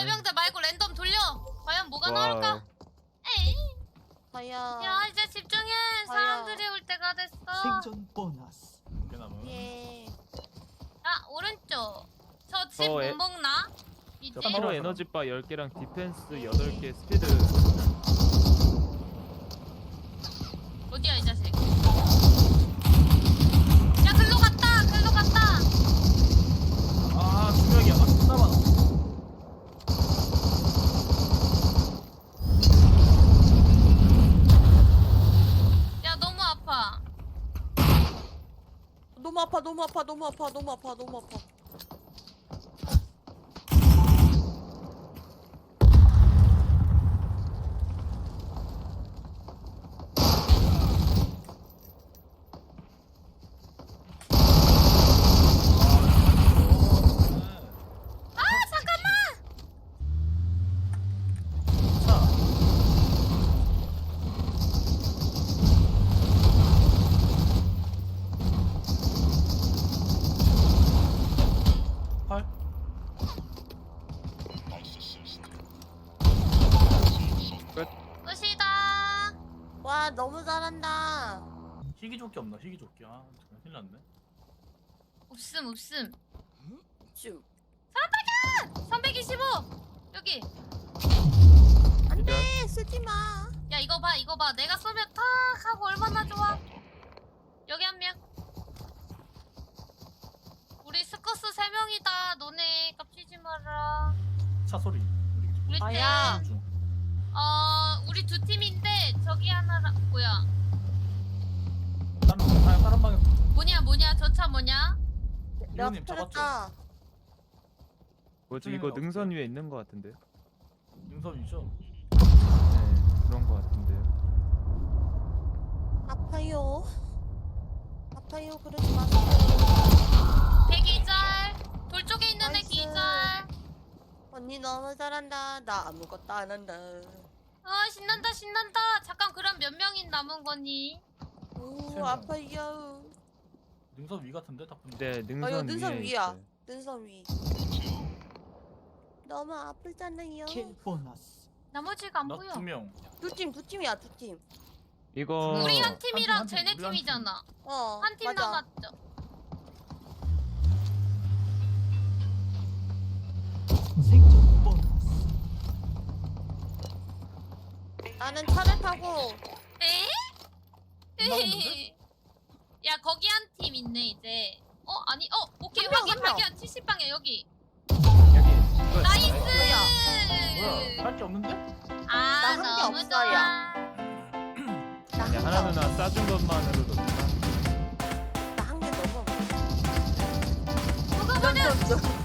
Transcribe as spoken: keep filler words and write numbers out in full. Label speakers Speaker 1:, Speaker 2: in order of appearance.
Speaker 1: 해병대 말고 랜덤 돌려. 과연 뭐가
Speaker 2: 와.
Speaker 1: 나올까? 에이.
Speaker 3: 과연.
Speaker 1: 야 이제 집중해. 사람들이 올 때가 됐어.
Speaker 4: 생존 보너스.
Speaker 5: 꽤 남은.
Speaker 3: 예.
Speaker 1: 아 오른쪽. 저 집
Speaker 2: 어,
Speaker 1: 못
Speaker 2: 에-
Speaker 1: 먹나? 이제?
Speaker 2: 저 피로
Speaker 5: 먹었어.
Speaker 2: 에너지바 열 개랑 디펜스 여덟 개 스피드.
Speaker 1: 어디야 이 자식? 야 글로 갔다. 글로 갔다.
Speaker 5: 아, 두 명이야. 아, 진짜 많아.
Speaker 1: 야 너무 아파.
Speaker 3: 너무 아파, 너무 아파, 너무 아파, 너무 아파, 너무 아파.
Speaker 1: 아 잠깐만.
Speaker 5: 자, 팔.
Speaker 1: 끝이다.
Speaker 3: 와, 너무 잘한다.
Speaker 5: 희귀조끼 없나? 희귀조끼. 아, 정말 큰일 났네.
Speaker 1: 없음 없음.
Speaker 3: 쭉.
Speaker 1: 삼백이십오. 여기.
Speaker 3: 안 돼, 쓰지 마.
Speaker 1: 야 이거 봐 이거 봐. 내가 쏘면 탁 하고 얼마나 좋아. 여기 한 명. 우리 스커스 세 명이다. 너네 깝치지 마라.
Speaker 5: 차 소리.
Speaker 1: 우리 팀.
Speaker 3: 아야.
Speaker 5: 중.
Speaker 1: 어 우리 두 팀인데 저기 하나라 뭐야?
Speaker 5: 다른 아, 다른 방에.
Speaker 1: 뭐냐 뭐냐 저 차 뭐냐?
Speaker 3: 내가
Speaker 5: 이모님 잡았죠?
Speaker 3: 터졌다.
Speaker 2: 뭐지 이거 능선 위에 있는 것 같은데요?
Speaker 5: 능선이죠.
Speaker 2: 네 그런 것 같은데요.
Speaker 3: 아파요. 아파요, 그러지 마세요.
Speaker 1: 대기절. 돌 쪽에 있는 애
Speaker 3: 나이스.
Speaker 1: 기절.
Speaker 3: 언니 너무 잘한다. 나 아무것도 안 한다.
Speaker 1: 아 신난다 신난다. 잠깐 그럼 몇 명이 남은 거니?
Speaker 5: 세
Speaker 3: 오,
Speaker 5: 명.
Speaker 3: 아파요.
Speaker 5: 능선 위 같은데 딱 보니까.
Speaker 2: 네 능선
Speaker 3: 이거 능선
Speaker 2: 위에
Speaker 3: 위야.
Speaker 2: 있어요.
Speaker 3: 눈썹 위. 너무 아프잖아요.
Speaker 4: 킬 보너스.
Speaker 1: 나머지가 안 보여.
Speaker 5: 나두 명.
Speaker 3: 두 팀, 두 팀이야, 두 팀.
Speaker 2: 이거
Speaker 1: 우리 한
Speaker 5: 한
Speaker 1: 팀이랑
Speaker 5: 팀, 한 팀,
Speaker 1: 쟤네
Speaker 5: 우리 한 팀.
Speaker 1: 팀이잖아.
Speaker 3: 어,
Speaker 1: 한 팀
Speaker 3: 맞아.
Speaker 1: 남았죠.
Speaker 4: 생존 보너스.
Speaker 3: 나는 차를 타고
Speaker 1: 에?
Speaker 5: 나왔는데?
Speaker 1: 야 거기 한 팀 있네 이제. 어 아니 어 오케이
Speaker 3: 한 명,
Speaker 1: 확인
Speaker 3: 한 명.
Speaker 1: 발견 칠십 방향 여기.
Speaker 2: 여기 이거
Speaker 1: 나이스.
Speaker 5: 뭐야? 할 게 없는데?
Speaker 1: 아
Speaker 3: 나한게
Speaker 1: 너무
Speaker 3: 없어요.
Speaker 1: 좋아.
Speaker 3: 나
Speaker 2: 야,
Speaker 3: 한
Speaker 2: 하나
Speaker 3: 개,
Speaker 2: 누나 싸준 것만으로도
Speaker 3: 나한 개 넘어.
Speaker 1: 누가 보냐?
Speaker 3: 좀, 좀,